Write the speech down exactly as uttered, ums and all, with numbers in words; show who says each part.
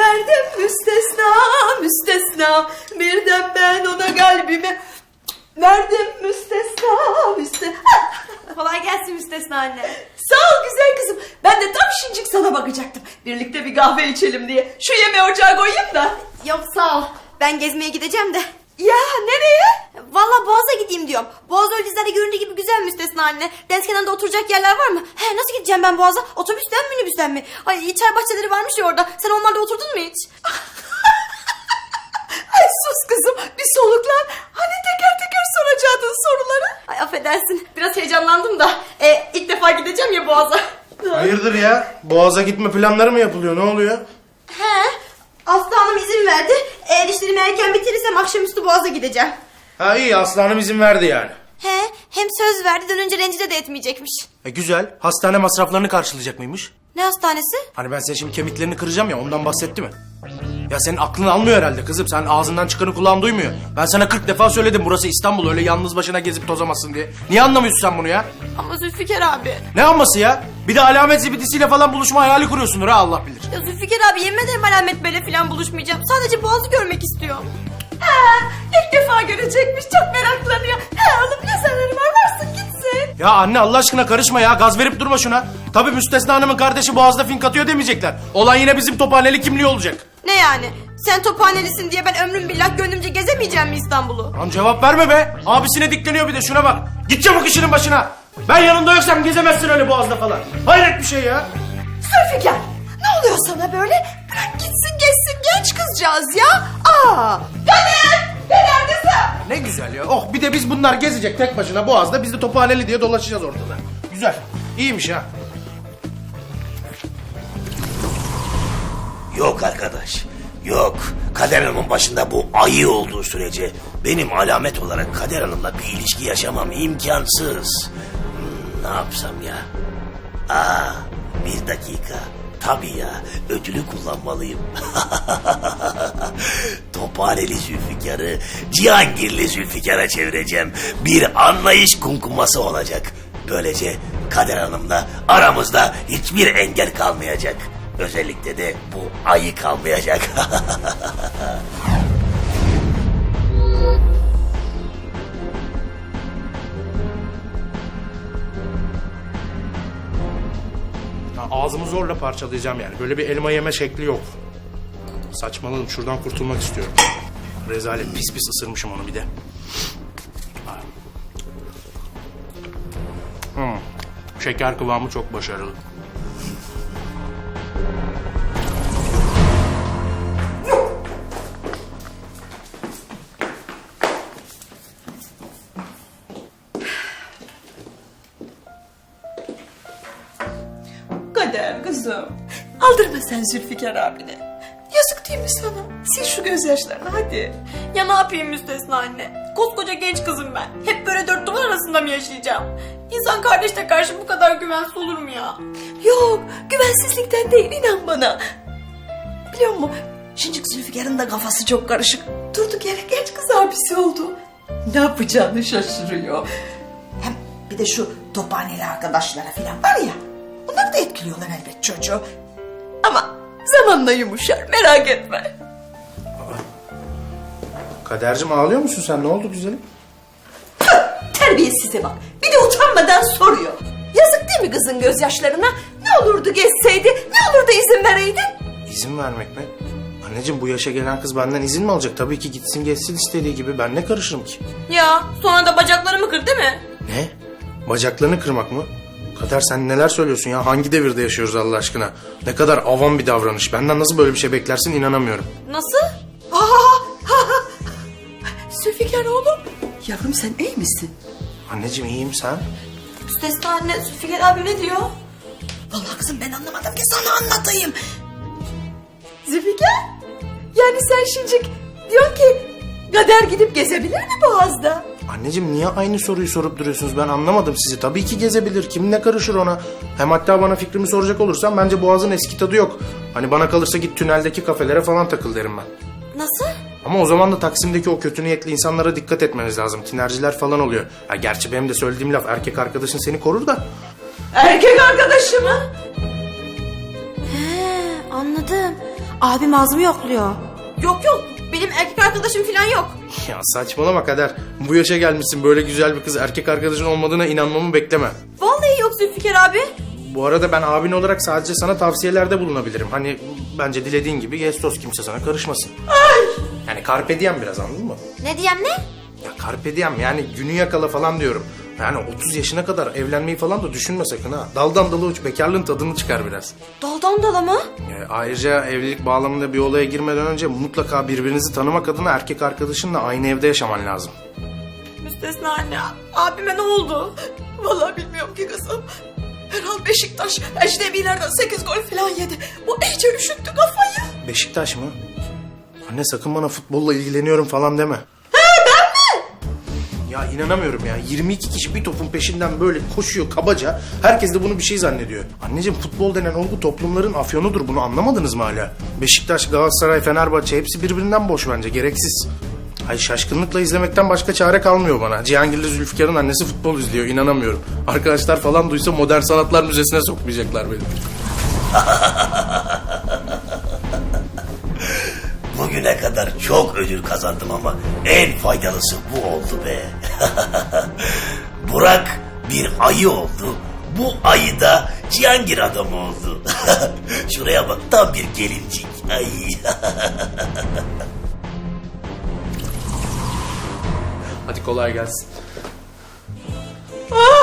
Speaker 1: verdim müstesna müstesna. Birden ben ona kalbimi verdim müstesna müstesna.
Speaker 2: Kolay gelsin müstesna anne.
Speaker 1: Sağ ol güzel kızım. Ben de tam şincik sana bakacaktım. Birlikte bir kahve içelim diye. Şu yemeği ocağa koyayım da.
Speaker 2: Yok sağ ol. Ben gezmeye gideceğim de.
Speaker 1: Ya nereye?
Speaker 2: Vallahi Boğaz'a gideyim diyorum. Boğaz öyle dizilerde göründüğü gibi güzel müstesna anne. Deniz kenarında oturacak yerler var mı? He, nasıl gideceğim ben Boğaz'a? Otobüsten mi minibüsten mi? Ay çay bahçeleri varmış ya orada. Sen onlarda oturdun mu hiç?
Speaker 1: Ay sus kızım bir soluklan. Hani teker teker soracaktın soruları.
Speaker 2: Ay affedersin. Biraz heyecanlandım da. E, ilk defa gideceğim ya Boğaz'a.
Speaker 3: Hayırdır ya? Boğaz'a gitme planları mı yapılıyor? Ne oluyor?
Speaker 2: He. Aslı Hanım izin verdi. Eğer işlerimi erken bitirirsem akşamüstü Boğaz'a gideceğim.
Speaker 3: Ha iyi, aslanım izin verdi yani.
Speaker 2: He, hem söz verdi dönünce rencide de etmeyecekmiş.
Speaker 3: E güzel. Hastane masraflarını karşılayacak mıymış?
Speaker 2: Ne hastanesi?
Speaker 3: Hani ben senin şimdi kemiklerini kıracağım ya, ondan bahsetti mi? Ya senin aklın almıyor herhalde kızım. Sen ağzından çıkanı kulağın duymuyor. Ben sana kırk defa söyledim, burası İstanbul, öyle yalnız başına gezip tozamazsın diye. Niye anlamıyorsun sen bunu ya?
Speaker 2: Ama Zülfikar abi.
Speaker 3: Ne anması ya? Bir de alamet zibidisiyle falan buluşma hayali kuruyorsundur ha, Allah bilir.
Speaker 2: Ya Zülfikar abi yemin ederim alamet böyle falan buluşmayacağım. Sadece Boğaz'ı görmek istiyorum.
Speaker 1: Ha, ilk defa görecekmiş çok meraklanıyor. Ha oğlum ne zararı var varsın gitsin.
Speaker 3: Ya anne Allah aşkına karışma ya, gaz verip durma şuna. Tabii Müstesna Hanım'ın kardeşi Boğaz'da fink atıyor demeyecekler. Olan yine bizim Tophaneli kimliği olacak.
Speaker 2: Ne yani? Sen Tophanelisin diye ben ömrüm billah gönlümce gezemeyeceğim mi İstanbul'u?
Speaker 3: Lan cevap verme be. Abisine dikleniyor bir de, şuna bak. Git çabuk işinin başına. Ben yanında yoksam gezemezsin öyle Boğaz'da falan. Hayret bir şey ya.
Speaker 1: Zülfikar ne oluyor sana böyle? Bırak gitsin geçsin genç kızcağız ya. Aa, Kader! Kader kızım!
Speaker 3: Ne güzel ya. Oh, bir de biz bunlar gezecek tek başına Boğaz'da. Biz de Tophaneli diye dolaşacağız ortada. Güzel. İyiymiş ha.
Speaker 4: Yok arkadaş, yok. Kader Hanım'ın başında bu ayı olduğu sürece benim alamet olarak Kader Hanım'la bir ilişki yaşamam imkansız. Hmm, ne yapsam ya? Aa, bir dakika. Tabii ya, ödülü kullanmalıyım. Tophaneli Zülfikar'ı Cihangirli Zülfikar'a çevireceğim. Bir anlayış kumkuması olacak. Böylece Kader Hanım'la aramızda hiçbir engel kalmayacak. Özellikle de bu ayı kalmayacak.
Speaker 3: Ha, ağzımı zorla parçalayacağım yani. Böyle bir elma yeme şekli yok. Saçmaladım, şuradan kurtulmak istiyorum. Rezalet, pis pis ısırmışım onu bir de. Hmm. Şeker kıvamı çok başarılı.
Speaker 1: Kader kızım. Aldırma sen Zülfikar abine. Yazık değil mi sana? Sil şu gözyaşlarını hadi.
Speaker 2: Ya ne yapayım müstesna anne? Koskoca genç kızım ben. Hep böyle dört duvar arasında mı yaşayacağım? İnsan kardeşle karşı bu kadar güvensiz olur mu ya?
Speaker 1: Yok güvensizlikten değil inan bana. Biliyor musun? Şincik Zülfikar'ın da kafası çok karışık. Durduk yere genç kız abisi oldu. Ne yapacağını şaşırıyor. Hem bir de şu Tophaneli arkadaşlara falan var ya. Onlar da etkiliyorlar elbet çocuğu. Ama zamanla yumuşar merak etme.
Speaker 3: Kadercim ağlıyor musun sen? Ne oldu güzelim?
Speaker 1: Terbiyesize bak. Bir de utanmadan soruyor. Yazık değil mi kızın gözyaşlarına? Ne olurdu gezseydi? Ne olurdu izin vereydin?
Speaker 3: İzin vermek mi? Anneciğim bu yaşa gelen kız benden izin mi alacak? Tabii ki gitsin geçsin istediği gibi. Ben ne karışırım ki?
Speaker 2: Ya sonra da bacaklarımı kır değil mi?
Speaker 3: Ne? Bacaklarını kırmak mı? Kader sen neler söylüyorsun ya? Hangi devirde yaşıyoruz Allah aşkına? Ne kadar avam bir davranış. Benden nasıl böyle bir şey beklersin inanamıyorum.
Speaker 2: Nasıl?
Speaker 1: Zülfikar oğlum. Yavrum sen iyi misin?
Speaker 3: Anneciğim iyiyim, sen?
Speaker 2: Müstesna anne Zülfikar abi ne diyor?
Speaker 1: Vallahi kızım ben anlamadım ki sana anlatayım. Zülfikar? Yani sen şincik diyorsun ki Kader gidip gezebilir mi Boğaz'da?
Speaker 3: Anneciğim niye aynı soruyu sorup duruyorsunuz? Ben anlamadım sizi. Tabii ki gezebilir. Kim ne karışır ona? Hem hatta bana fikrimi soracak olursan bence Boğaz'ın eski tadı yok. Hani bana kalırsa git tüneldeki kafelere falan takıl derim ben.
Speaker 2: Nasıl?
Speaker 3: Ama o zaman da Taksim'deki o kötü niyetli insanlara dikkat etmeniz lazım. Tinerciler falan oluyor. Ya gerçi benim de söylediğim laf, erkek arkadaşın seni korur da.
Speaker 1: Erkek arkadaşı mı?
Speaker 2: He anladım. Abim ağzımı yokluyor. Yok yok benim erkek arkadaşım falan yok.
Speaker 3: Ya saçmalama Kader. Bu yaşa gelmişsin, böyle güzel bir kız erkek arkadaşın olmadığına inanmamı bekleme.
Speaker 2: Vallahi yok Zülfikar abi.
Speaker 3: Bu arada ben abin olarak sadece sana tavsiyelerde bulunabilirim. Hani bence dilediğin gibi gez toz, kimse sana karışmasın. Yani carpe diem biraz, anladın mı?
Speaker 2: Ne diyem ne?
Speaker 3: Ya carpe diem yani günü yakala falan diyorum. Yani otuz yaşına kadar evlenmeyi falan da düşünme sakın ha. Daldan dala uç, bekarlığın tadını çıkar biraz.
Speaker 2: Daldan dala mı?
Speaker 3: Yani ayrıca evlilik bağlamında bir olaya girmeden önce mutlaka birbirinizi tanımak adına erkek arkadaşınla aynı evde yaşaman lazım.
Speaker 2: Müstesna anne abime ne oldu?
Speaker 1: Vallahi bilmiyorum ki kızım. Herhal Beşiktaş ecnebilerden sekiz gol falan yedi. Bu iyice üşüttü kafayı.
Speaker 3: Beşiktaş mı? Anne sakın bana futbolla ilgileniyorum falan deme. Ya inanamıyorum ya. yirmi iki kişi bir topun peşinden böyle koşuyor kabaca. Herkes de bunu bir şey zannediyor. Anneciğim, futbol denen olgu toplumların afyonudur. Bunu anlamadınız mı hala? Beşiktaş, Galatasaray, Fenerbahçe hepsi birbirinden boş bence. Gereksiz. Ay şaşkınlıkla izlemekten başka çare kalmıyor bana. Cihangirli Zülfikar'ın annesi futbol izliyor. İnanamıyorum. Arkadaşlar falan duysa Modern Sanatlar Müzesi'ne sokmayacaklar beni.
Speaker 4: Bugüne kadar çok ödül kazandım ama en faydalısı bu oldu be. Burak bir ayı oldu. Bu ayı da Cihangir adamı oldu. Şuraya bak, tam bir gelincik. Ay.
Speaker 3: Hadi kolay gelsin.
Speaker 1: Aa,